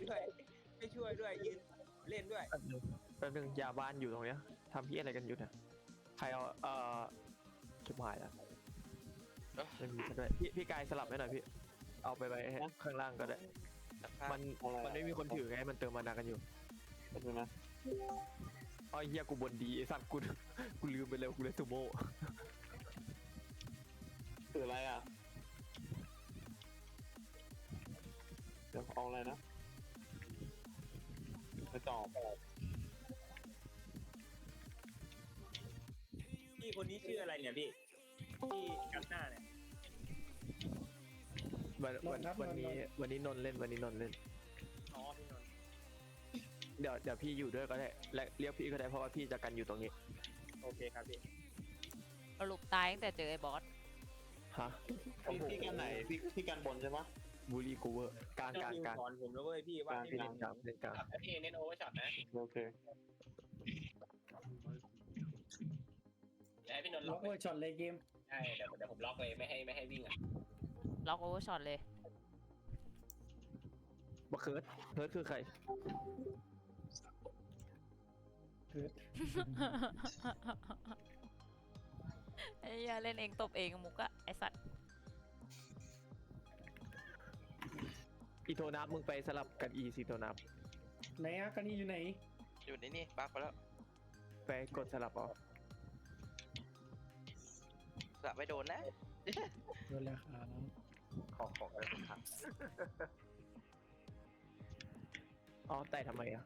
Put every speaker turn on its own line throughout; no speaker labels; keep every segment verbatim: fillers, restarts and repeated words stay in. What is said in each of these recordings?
ด้วยไม่ช่วยด้วยยืนเล่นด้วย
แป๊บนึงแป๊บนึงยาบ้านอยู่ตรงเนี้ยทำพี่อะไรกันอยู่เนี่ยใครเอาเอ่อจุดหมายแล้วไม่มีซะด้วยพี่พี่กายสลับให้หน่อยพี่เอาไปไว้ข้างล่างก็ได้มันมันไม่มีคนถือไงมันเติมมานากันอยู่เป็นไงนะอ๋อเฮียกูบนดีไอสัตว์กูกูลืมไปแล้วกูเลยซูโม่ถืออะไรอ่ะเดี๋ยวเอาอะไรนะไปตอบ
พี่คนนี้ชื่ออะไรเนี่ยพี่พี่กับหน้าเนี่ย
วันวันวันนี้วันนี้นนเล่นวันนี้นนเล่น
อ๋อพี่นน
เดี๋ยวเดี๋ยวพี่อยู่ด้วยก็ได้และเรียกพี่ก็ได้เพราะว่าพี่จะกันอยู่ตรงนี้
โอเคครับพี่
สรุปตายตั้งแต่เจอไอ้บอส
ฮะพี่พี่กันไหนพี่พี่กันบนใช่ปะบูรีกูเวอร์กลางกลางกลาง
สอนผมแล้วเว้ยพี่ว่า
พี่เล่นกลางเล่นกลาง
พี่เน้นโอเวอร์ช็อตนะ
โอเค
แล้วพี่นนท์
ล็อกโอเวอร์ช็อตเลยเกม
ใช่เดี๋ยวเดี๋ยวผมล็อกเลยไม่ให้ไม่ให้วิ่งอ่ะ
ล็อกโอเวอร์ช็อตเลย
บักเคิร์ดเคิร์ดคือใคร
เกิด
ไอ้ยาเล่นเองตบเองมุกอะไอสัตว์
อีโทนับมึงไปสลับกันอีซีโทนับ
ไหนอะกันนี่อยู่ไหน
อยู่ในนี่บักไปแล้ว
ไปกดสลับออก
สลับไม่โดนนะ
โดนแล้วครับ
ขอของได้ทุกครั้งอ๋อแต่ทำไมอ่ะ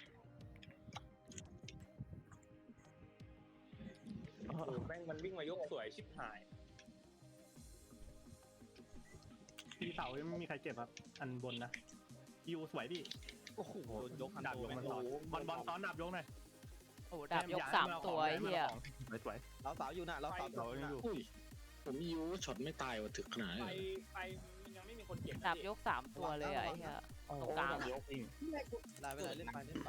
โอ้แม่งมันวิ่งมายกสวยชิบหาย
ทีเสายังไม่มีใครเจ็บครับอันบนนะยูสวยพี่
โอ้โหยก
ดาบยกมันซ้อนบอลบอลซ้อนดาบยกหน่อย
โอ้ดาบยกสามตัวไอ้เหี้ย
สวย
เราสาวอยู่นะเราสาวอยู่
ผมยูช็อตไม่ตายว่ะถึกขนาดนี้
ไปไปยังไม่มีคนเก็บ
ดาบยกสามตัวเลยไอ้เหี้ยตรงกลาง
ยกจริง
ได้ไปเลยเล่นไปเล่นไป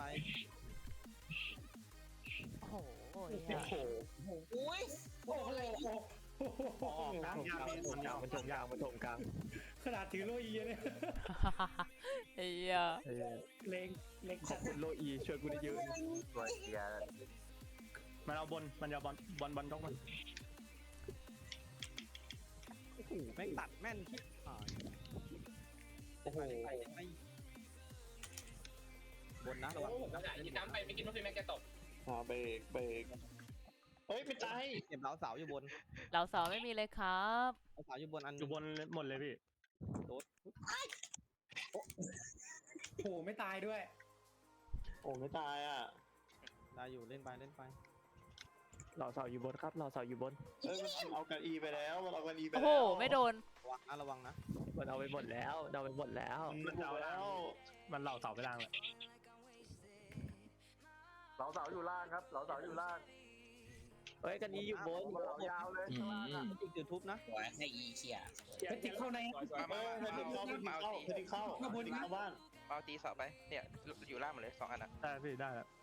โอ้โหโอ้
โหอุ้ย
โอ้โห
กลางยาวมันยาวมันถงยาวมันถงกลาง
ขนาดถือโลอีเนี่ย
ไอ้เหี้ย
เล็งเล็ง
ขอบคุณโลอีช่วยกูได้เยอะสวยเกียร์
มันเอาบนมันเอาบอลบอลบอลยกมัน
โอ้โหแม่งตัดแม่นที่ผ่านโอ้โหบนนะระวังแล้วไหนยิงน้ำไปไม่กินว่าพี่แม็กจะตก
อ่าเบรกเบรกเฮ้ยไม่ตาย
เก็บเราเสาอยู่บน
เราเสาไม่มีเลยครับ
เราเสาอยู่บนอัน
อยู่บนหมดเลยพี่
โดด
โอ้โหไม่ตายด้วย
โอ้ไม่ตายอ่ะ
ได้อยู่เล่นไปเล่นไป
เราเสาอยู่บนครับเราเสาอยู่บนเอ้ยมันเอากันอีไปแล้วมันเอากันอีไปแล้ว
โอ้โหไม่โดน
ระวังนะระวังนะ
มันเอาไปหมดแล้วเอาไปหมดแล้ว
มันเอาแล้วมันเหล่าเสาไปล่างเลย
เสาเสาอยู่ล่างครับเสาเสาอยู่ล่างเฮ้ยกันอีอยู่บนยาวเลยข้างล่างอ่ะ
จุดจุดทุบนะ
ให้อีเขีย
เพชรเข้าใน
มามา
เพชรเข้าเพชรเข้าเพชรเข้า
เข้าบนเข้า
บ้าน
เมาตีเสาไปเนี่ยอยู่ล่างหมดเลยสองอันอ่ะ
ได้พี่ได้แล้ว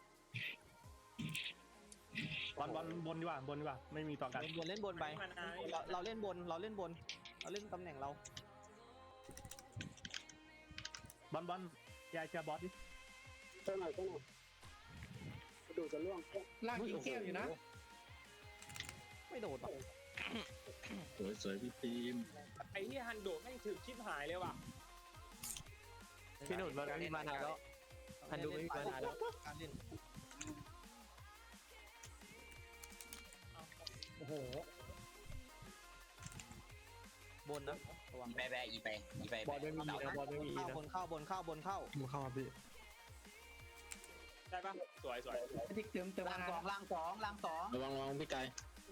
บอลบอลบนดีกว่าบนดีกว่าไม่มีต่อกัน
บนเล่นบนไปเราเราเล่นบนเราเล่นบนเราเล่นตำแหน่งเรา
บอลบอลยายเชียร์บอสดิ
เท่าไหร่เท่าไหร่ดูจะล่วงล่างกินแก้วอยู่นะ
ไม่โดดหรอก
สวยสวยพี่ทีม
ไอ้ที่ฮันโดแม่งถึกชิบหายเลยว่ะ
พี่หนุ่มมันไม่มีมานาแล้วฮันโดไม่มีมานาแล้ว
การเล่น
โอ้โห
บนนะระวัง
อีไปไปอีไปอีไป
บอลไม่มีนะบอลไม่มีนะ
บนเข้าบนเข้าบนเข้า
บนเข้าพี่
ได้ปะสวยสวย
ติ๊กเติมเติม
ล่างสองล่างสองล่างสอง
ระวังระวังพี่ไก่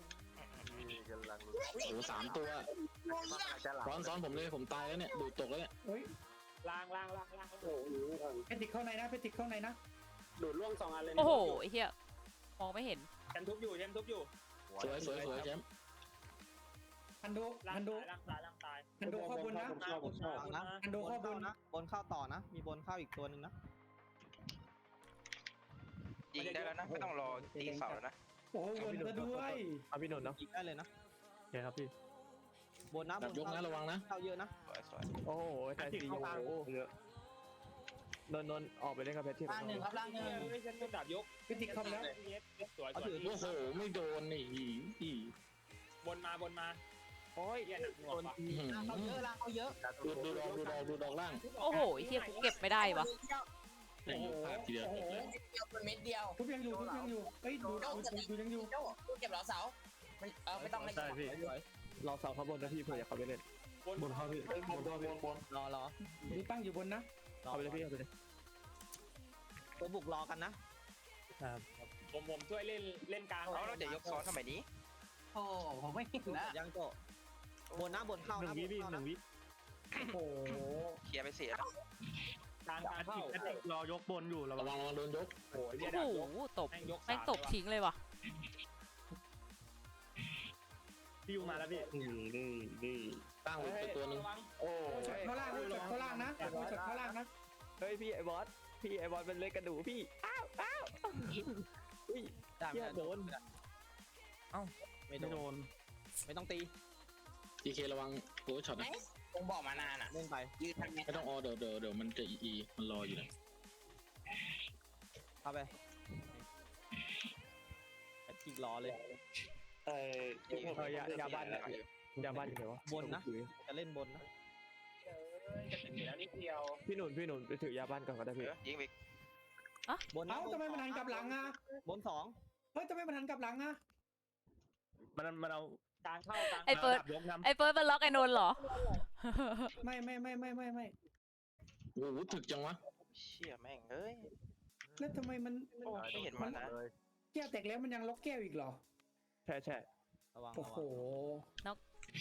โอ้สามตัวซ้อนซ้อนผมเลยผมตายแล้วเนี่ยดูตกแล้วเนี่ย
เฮ้ย
ล่างล่างล่างล่าง
โอ้โหเพชรเข้าในนะเพชรเข้าในนะ
ดูดล่วงสองอันเลย
โอ้โหไอ้เหี้ยมองไม่เห็น
แชมทุบอยู่แชมทุบอยู่
สวยสวยสวยแชมป์
ฮันโดฮันโด
ล่างตายล่างตาย
ฮันโดเข้าบนนะฮันโดเข้าบน
นะบนเข้าต่อนะมีบนเข้าอีกตัวหนึ่งนะ
ยิงได้แล้วนะไม่ต้องรอตีเสาแล้วนะ
โอ้บนจะด้วย
เอาพี่นนท์เนาะ
ยิงได้เลยนะ
ใช่ครับพี่
บนนะบน
ยกนะระวังนะ
เข้าเยอะนะ
สวยสวย
โอ้โหแต่ตีโอ้โหเยอะนนท์นนท์ออกไปเล่นกับเพชรที่
ล่างหนึ่งครับล่างหนึ่ง
ไม่ใช่ต้องดับยก
พิธีคำแล้ว
สวยสวย
โอ้โหไม่โดนนี่อีอี
บนมาบนมา
โอ้ย
เหี้ยหนักหน่วงว่ะ
อื้อหือ
ล่างเขาเยอะล่างเขาเยอะ
ดูดูดอกดูดอกดูดอกล่าง
โอ้โหไอ้เฮียกูเก็บไม่ได้วะ
ไอ้เหี้ยพลาดทีเดียวจบเลย
เดียวเป็นเม็ดเดียว
ทุบยังอยู่ทุบยังอยู่เฮ้ยดูดูดูยังอยู่
โจ้ดูเก็บเหลาเสามันเออไม่ต้องไม่
ใช่พี่
เราเสาข้างบนนะพี่เผื่ออยากเข้าไปเล่น
บนเข้าพี่บนเข้าพี่
รอรอ
ดูตั้งอยู่บนนะ
เข้าไปเลยพี่เข้าไปเลย
ตัวบุกรอกันนะ
ครับ
ผมผมช่วยเล่นเล่นกลาง
เอาแล้วเดี๋ยวยกซ้อนทำไมนี้
โอ้ผมไม่เห็นนะ
ยังโตบนนะบนเข้า
หนึ่
นะ
งวิพี่
บเข้า
หนึ่งวิ
โอ้โห
เคลียร์ไปเสียแล้ว
กลางกลางเข้า
แอตติกรอยกบนอยู่ระ
ระ
วั
วั
ง
งระวังโดนยก
โอ้ยเหี้ย
โอ้
ดับ
โห
ยก
ตบ
แม่งยก
แม่งตบทิ้งเลยว่ะ
พี่ยูมาแล้วพี่นี่นี่นี่
ตั้งไว้ไปตัวหนึง
โอ้
ช็อตเข้าล่างนะช็อตเข้าล่างนะช็อตเข้าล่างนะ
เฮ้ยพี่ไอ้บอสพี่ไอ้บอสเป็นเล็กกระดูกพี่อ้าวอ้าวอุ้ย
ได้
เหี้ยโดน
ไม่
ไม่
โด
โด
น
น
ไม่ต้องตี
ดีเคระวังโอ้ช็อต
ไหน
นะ
คงบอกมานานอ่ะ
เล่นไป
ยืนทันไหม
ไม่ต้องออเดี๋ยวเดี๋ยวเดี๋ยวมันจะอีอีมันรออยู่นะ
เข้าไปแอตติกรอเลย
เออ
เออยายาบ้านเนี่ยยาบ้านอยู่ไหนวะ
บนนะ จะเล่นบนนะ
จะถึงอยู่แล้วนิดเดียว
พี่หนุนพี่หนุนไปถือยาบ้านก่อนก็ได้พี่
ยิงไป
บนนะ
เอ้าทำไมมันหันกลับหลังอ่ะ
บนสอง
เฮ้ยทำไมมันหันกลับหลังอ่ะ
มันมันเอา
กลางเข้ากลาง
ไอ้เฟิร์ส
ดับยกน้ำ
ไอ้เฟิร์สมันล็อกไอ้นนท์เหรอ
ไม่ไม่ไม่ไม่ไม่ไม่
โอ้โหถึกจังวะ
เชี่ยแม่งเอ้ย
แล้วทำไมมัน
โอ้ไม่เห็นมันนะ
แก้วแตกแล้วมันยังล็อกแก้วอีกเหรอ
ใช่ใช่
ระวัง
โอ้
ระ
โห
วัง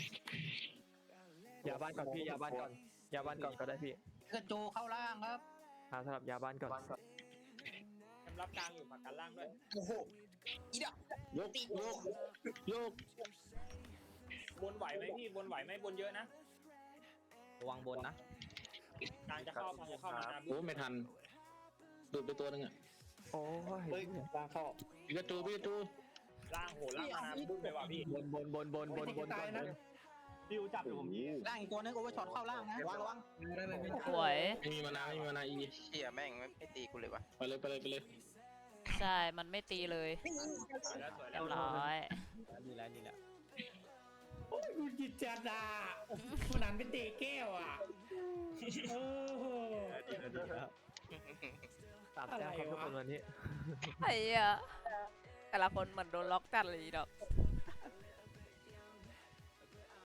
ยาบ้านก่อนพี่ยาบ้านก่อนยาบ้านก่อนก็ได้พี่
กระโจเข้าล่างครับ
หาสำหรับยาบ้านก่อน
สำรับกลางอยู่ผักกันล่างด้วย
โอ้โหอีดอก
ยกยกยก
บนไหวไหมพี่บนไหวไหมบนเยอะนะ
ระวังบนนะ
กลางจะเข้ากลางจะเข้ามานา
โอ้ไม่ทันดูดไปตัวหนึงอ่ะ
โอ้ย
เฮ้ยตาเข้า
พิกาจูพิกาจู
ล่างโหล่างมานาบุ้มเลยว่ะพี่
บนบนบนบนบนบน
ตายนะ
พี่ยูจับอยู่ผมพี่
ล่างอีกตัวนึงโอเวอร์ช็อตเข้าล่างนะ
ระวังระวัง
สวย
ไม่มีมานาไม่มีมานาอี
เชี่ยแม่งไม่ตีกูเลยวะ
ไปเลยไปเลยไปเลย
ใช่ มันไม่ตีเลย
สวยแล้วสวย
เรี
แล้
ยว บร้อย
นี่แหละนี่แหละ
โอ้ยคุณจิตจัดอ่ะมันหันเป็นเตะแก้วอ่ะโอ้โห
ดีแล้วดีแล้ว
สามแต้มครับทุกคนวันนี้
ไอ้เหี้ยแต่ละคนเหมือนโดนล็อกจัดเลยอีดอก